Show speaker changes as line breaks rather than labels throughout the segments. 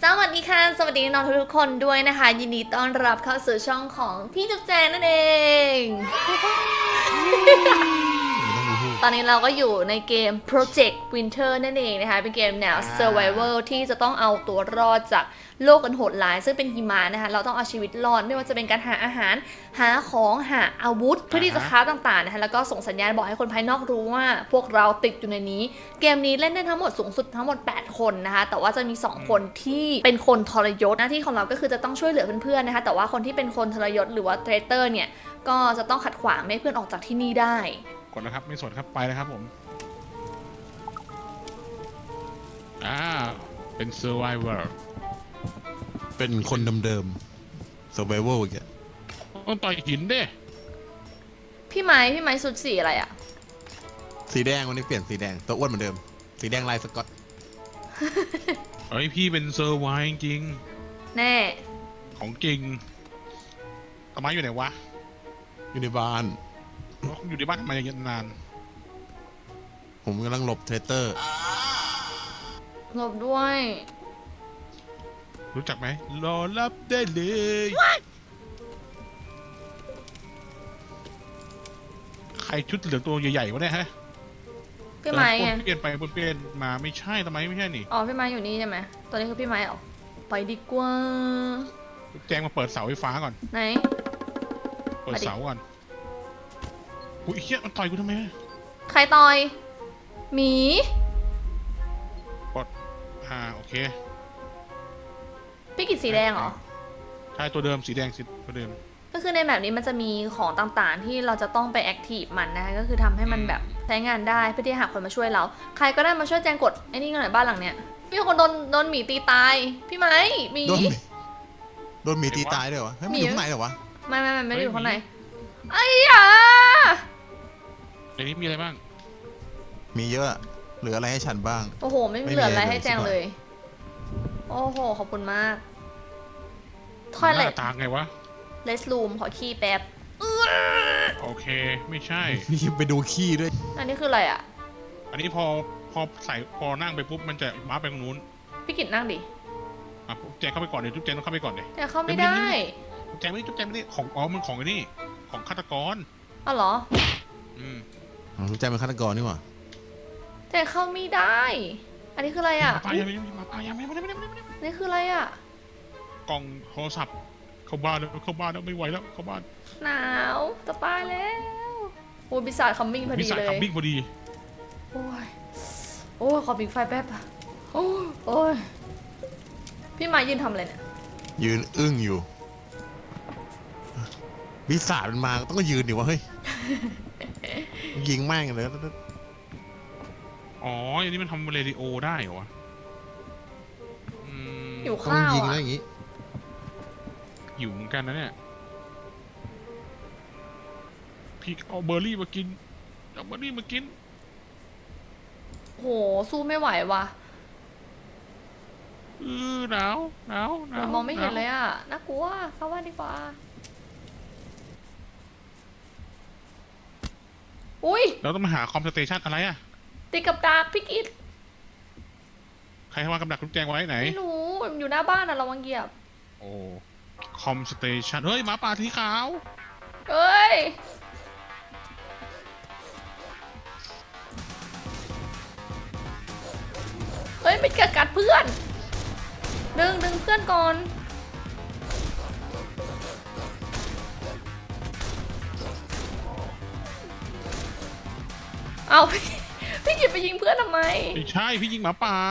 สวัสดีค่ะสวัสดีน้องทุกคนด้วยนะคะยินดีต้อนรับเข้าสู่ช่องของพี่จุ๊บแจงนั่นเอง ตอนนี้เราก็อยู่ในเกม Project Winter นั่นเองนะคะเป็นเกมแนว Survival ที่จะต้องเอาตัวรอดจากโลกอันโหดร้ายซึ่งเป็นหิมะนะคะเราต้องเอาชีวิตรอดไม่ว่าจะเป็นการหาอาหารหาของหาอาวุธเพื่อที่จะค้าต่างๆนะคะแล้วก็ส่งสัญญาณบอกให้คนภายนอกรู้ว่าพวกเราติดอยู่ในนี้เกมนี้เล่นได้ทั้งหมดสูงสุดทั้งหมด8คนนะคะแต่ว่าจะมี2คนที่เป็นคนทรยศหน้าที่ของเราก็คือจะต้องช่วยเหลือเพื่อนๆนะคะแต่ว่าคนที่เป็นคนทรยศหรือว่าเทรเตอร์เนี่ยก็จะต้องขัดขวางไม่ให้เพื่อนออกจากที่นี่ได้
กดนะครับไม่สนครับไปเลยครับผมเป็น survivor
เป็นคนเดิมๆ survival อีกอะ
ต้องต่อยหินเด้
พี่ไม้สุดสีอะไรอะ
สีแดงวันนี้เปลี่ยนสีแดงตัวอ้วนเหมือนเดิมสีแดงลายสก๊อต
เฮ้ยพี่เป็น survive จริง
แน่
ของจริงต้นไม้อยู่ไหนวะ
อยู่ในบ้าน
อยู่ในบ้านทำไมยังนาน
ผมกำลังหลบเทรเตอร์
หลบด้วย
รู้จักไหมรอรับได้เลย ใครชุดเหลืองตัวใหญ่ๆวะเนี่ยฮะ
พี่ไม้ไง
เปลี่ยนไปเปลี่ยนมาไม่ใช่ทำไมไม่ใช่นี่
อ๋อพี่ไม้อยู่นี่ใช่ไหมตัวนี้คือพี่ไม้เหรอไปดีกว่า
แจ้งมาเปิดเสาไฟฟ้าก่อน
ไหน
เปิดเสาก่อนอุ้ยเฮียมันต่อยกูทำไม
ใครต่อยหมี
โอเค
พี่กิจสีแดงเหรอ
ใช่ตัวเดิมสีแดงตัวเดิม
ก็คือในแบบนี้มันจะมีของต่างๆ ที่เราจะต้องไปแอคทีฟมันนะคะก็คือทำให้มันแบบใช้งานได้เพื่อที่จะหาคนมาช่วยเราใครก็ได้มาช่วยแจงกดไอ้นี่กันหน่อยบ้านหลังเนี้ยมีคนโดนหมีตีตายพี่ไม้หมี
โดนหมีตีตายด้วยวะเฮ้ยมันอยู่ข้างในเหรอวะ
ไม่ได้อยู่ข้างใน
เฮ้ยหมี
ไอ้ยา
ในนี้มีอะไรบ้าง
มีเยอะเหลืออะไรให้ฉันบ้าง
โอ้โหไม่
ไม่
เหลืออะไร
มีอะไร
ให้แจง
เลย
เลย โอ้โหขอบคุณมากท
ห
อยเล็
น้า
ต
ตาไงวะ
เลสรูมขอขี้แป๊บ
โอเคไม่ใช่
มีไปดูขี้ด้วย
อันนี้คืออะไรอ่ะ
อันนี้พอใส่พอนั่งไปปุ๊บมันจะม้าไปตรงนู้น
พี่กิจนั่งดิ
แจงเข้าไปก่อนเดี๋ยวจุ๊บแจงต้องเข้าไปก่อนเดี๋ยว
แต่เข้าไม่ได้
จุ๊บแจงไม่ได้ของมันของไอ้นี่ของฆาตกร
อ้าวเหรอ
อืม
รู้ใจเป็นฆาตกรนี่หว่า
แต่เข้าไม่ได้ อันนี้คืออะไรอ่ะ
มาปายังไม่ได้
นี่คืออะไรอ่ะ
กล่องโทรศัพท์เข้าบ้านแล้วไม่ไหวแล้วเข้าบ้าน
หนาวจะตายแล้วโอ้ยบิสาดคัมมิ่งพอ
มี
ดี
สาย
เลย
คัมบิ้งพอดี
โอ้ย โอ้ยขอปิดไฟแป๊บอะโอ้ยโอ้ย พี่มายืนทำอะไรเนี่ย
ยืนอึ้งอยู่วิสาดมันมาต้องก็ยืนดิวะเฮ้ย ยิงแม่งเลย
อ๋ออันนี้มันทำเรดิโอได้เหรอวะอืม
อยู่
ต้อง
ข้าว
ยิงแล้ว
อ่ะ
อย่างงี้
หิวเหมือนกันนะเนี่ยพี่เอาเบอร์รี่มากิน
โห สู้ไม่ไหวว่ะ
หนาว
มองไม่เห็นเลยอ่ะ น่ากลัว เข้าบ้านดีกว่า อุ้ย
เราต้องมาหาคอมสเตชันอะไรอะ
ติดกับดักพี่กิต
ใครวางกับดักทุกแจงไว้ไหน
ไม่รู้ อยู่หน้าบ้านอ่ะระวังเหยียบ
โอ้คอมสเตชันเฮ้ยหมาป่าสีขาว
เอ้ย เฮ้ยไม่กัดเพื่อน ดึงเพื่อนก่อน เอาพี่กิตไปยิงเพื่อนทำไม
ไม่ใช่พี่ยิงหมาป่า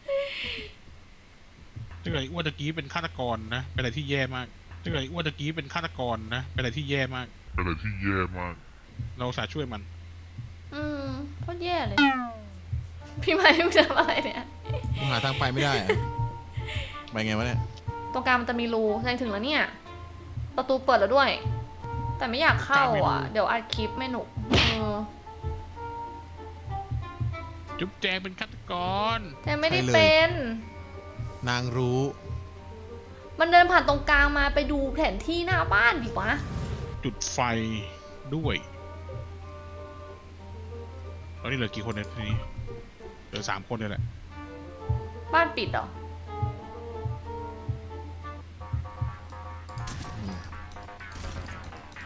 ถ้าเกิดอ้วนตะกี้เป็นฆาตกรนะเป็นอะไรที่แย่มากถ้าเกิดอ้วนตะกี้เป็นฆาตกรนะเป็นอะไรที่แย่มากเราสาช่วยมัน
โคตรแย่เลย พี่ไม้ไม่ทำอะไรเนี่ย
กูหาทางไปไม่ได้อะไปไงวะเนี่ย
ตรงกลางมันจะมีรูแสดงถึงแล้วเนี่ย ประตูเปิดแล้วด้วย แต่ไม่อยากเข้าอ่ะ เดี๋ยวอัดคลิปไม่หนุก
จุ๊บแจงเป็นฆาตกร
แต่ไม่ได้
ใช่เลย
เป็น
นางรู้
มันเดินผ่านตรงกลางมาไปดูแผนที่หน้าบ้านดิวะ
จุดไฟด้วยตอนนี้เหลือกี่คนในที่นี้เหลือ3 คนเลยแหละ
บ้านปิดเหรอ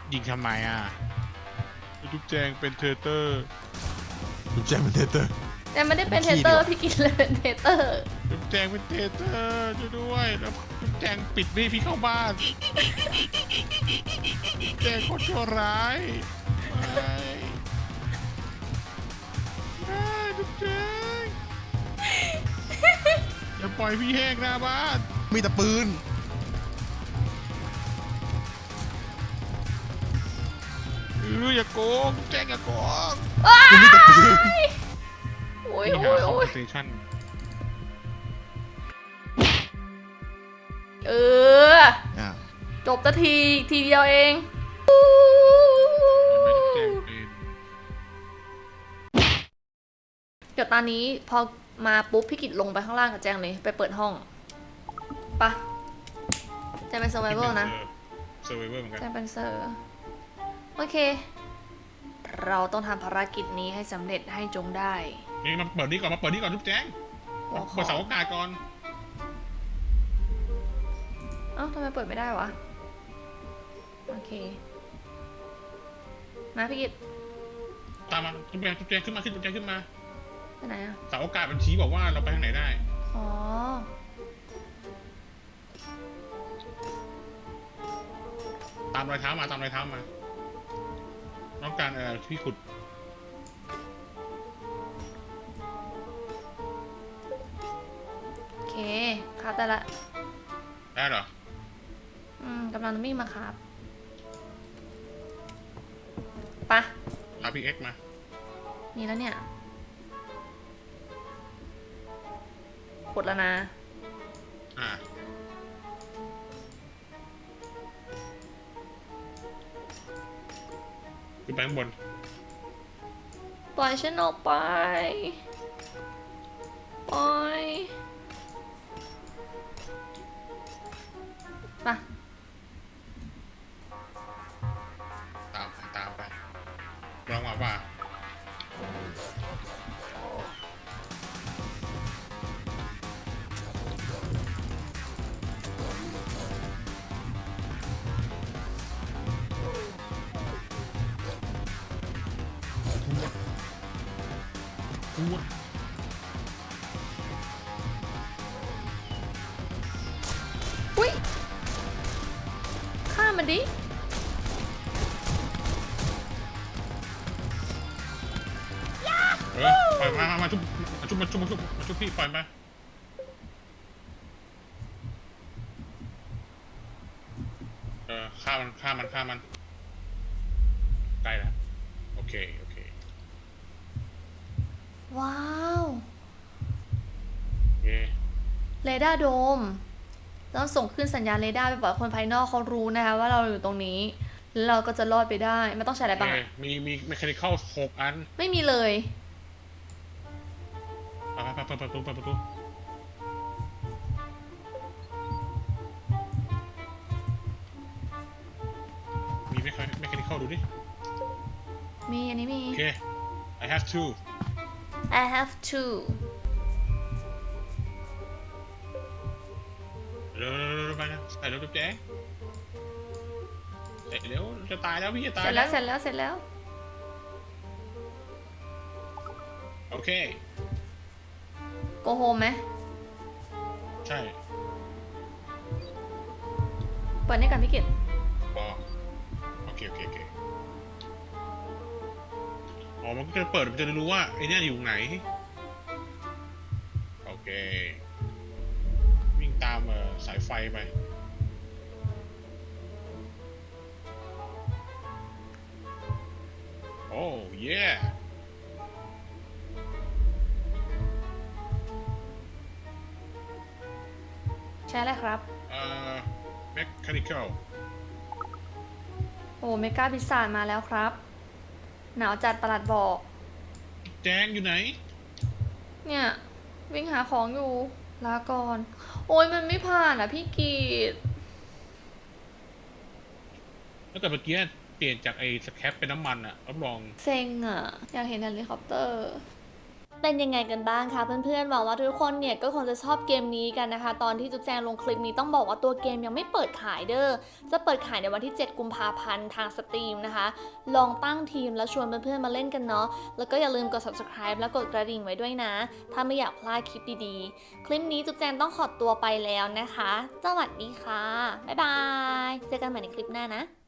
ยิงทำไมอ่ะจุ๊บแจงเป็นเทอร์เตอร์
จุ๊บแจงเป็นเทเตอร์
แต่ไม่ได้เป็นเทเตอร์พี่กินเลยเป็นเทเตอร์
จุ๊บแจงเป็นเทเตอร์ช่วยด้วยแล้วจุ๊บแจงปิดไม่ให้พี่เข้าบ้านจุ๊บแจงโคตรชั่วร้ายไม่จุ๊บแจงอย่าปล่อยพี่แห้งหน้าบ้าน
มีแต่ปืน
อย่าโกงแจ้งอย่าโกง
มันมีแต่ปืน
โอ้ย
นี่
โอ้
หาย คอ
โอ้
ม
ย
สเตชัน
เออ
อ่า
จบตะทีเดียวเอง
ไม่ได้แจ้งเป็น
เดี๋ยวตอนนี้พอมาปุ๊บพี่กิจลงไปข้างล่างกับแจงเลยไปเปิดห้องปะแจงเป็น survival นะ
เซอร์ไวเวอร์เหมือนกัน
แจงเป็นเซอร์โอเค เราต้องทำภารกิจนี้ให้สำเร็จให้จงได้
นี่มาเปิดนี่ก่อนมาเปิดนี่ก่อนทุกแจ้ง
หัวข
เปิ
อ
ดเสาอากาศก่อน
เอ้าทำไมเปิดไม่ได้วะโอเคมาพี่กิจ
ตามมาทุกแจ้งขึ้นมาทุกแจ้งขึ้นมา
ไปไหนอะ
เสาอากาศมันชี้บอกว่าเราไปทางไหนได้
อ๋อ
ตามรอยเท้ามาต้องการที่ขุด
โอเคครับได้ละ
ได้เหรอก
ำลังวิ่งมาครับปะ
พาพี่เอ็กมา
มีแล้วเนี่ยขุดแล้วนะ
อ่าขึ้นไปข้างบน
ปล่อยฉันออกไปปล่อยปะ
ตามไปลองมาป่ะกู
อุ้ยฆ่ามันดิ
ปล่อยมาชุบพี่ปล่อยมาฆ่ามันใกล้แล้วโอเค
ว้าว
โอเค
เรดาร์โดมต้องส่งขึ้นสัญญาณเรดาร์ไปบอกให้คนภายนอกเขารู้นะคะว่าเราอยู่ตรงนี้แล้วเราก็จะรอดไปได้ไม่ต้องใช้อะไรบ้างอะ
มีเมคานิคอล6 อัน
ไม่มีเลย
ไปประตูมีเมคานิคอลดูดิ
มีอันนี้มี
โอเค I have to
I have to
เร็วไปนะใส่เร็วจุ๊บแจ๊ใส่เร็วจะตายแล้วพี่จะตา
เส
ย
ร็จแล้วเสร็จแล้วเสร็จแล้ว
โอเค
โกโฮมไหม
ใช่
เปิดให้กันพี่กิต
อ๋อโอเคอ๋อมันก็จะเปิดมันจะรู้ว่าไอ้เนี่ยอยู่ไหนโอเควิ่งตามสายไฟไปโอ้เย่
ใช่แล้วครับ
เมคานิคอล
โอ้เมกาพิซซ่ามาแล้วครับ หนาวจัดประหลัดบอก
แจ้งอยู่ไหน
เนี่ย วิ่งหาของอยู่ลาก่อน โอ้ยมันไม่ผ่านอ่ะพี่กีด
แล้วแต่เมื่อกี้เปลี่ยนจากไอ้สแครปเป็นน้ำมันอะรับรอง
เซ็งอ่ะ อยากเห็นเฮลิคอปเตอร์เป็นยังไงกันบ้างคะเพื่อนๆหวังว่าทุกคนเนี่ยก็คงจะชอบเกมนี้กันนะคะตอนที่จุ๊บแจงลงคลิปนี้ต้องบอกว่าตัวเกมยังไม่เปิดขายเด้อจะเปิดขายในวันที่ 7 กุมภาพันธ์ทางสตรีมนะคะลองตั้งทีมแล้วชวนเพื่อนๆมาเล่นกันเนาะแล้วก็อย่าลืมกด subscribe แล้วกดกระดิ่งไว้ด้วยนะถ้าไม่อยากพลาดคลิปดีๆคลิปนี้จุ๊บแจงต้องขอตัวไปแล้วนะคะสวัสดีค่ะบ๊ายบายเจอกันใหม่ในคลิปหน้านะ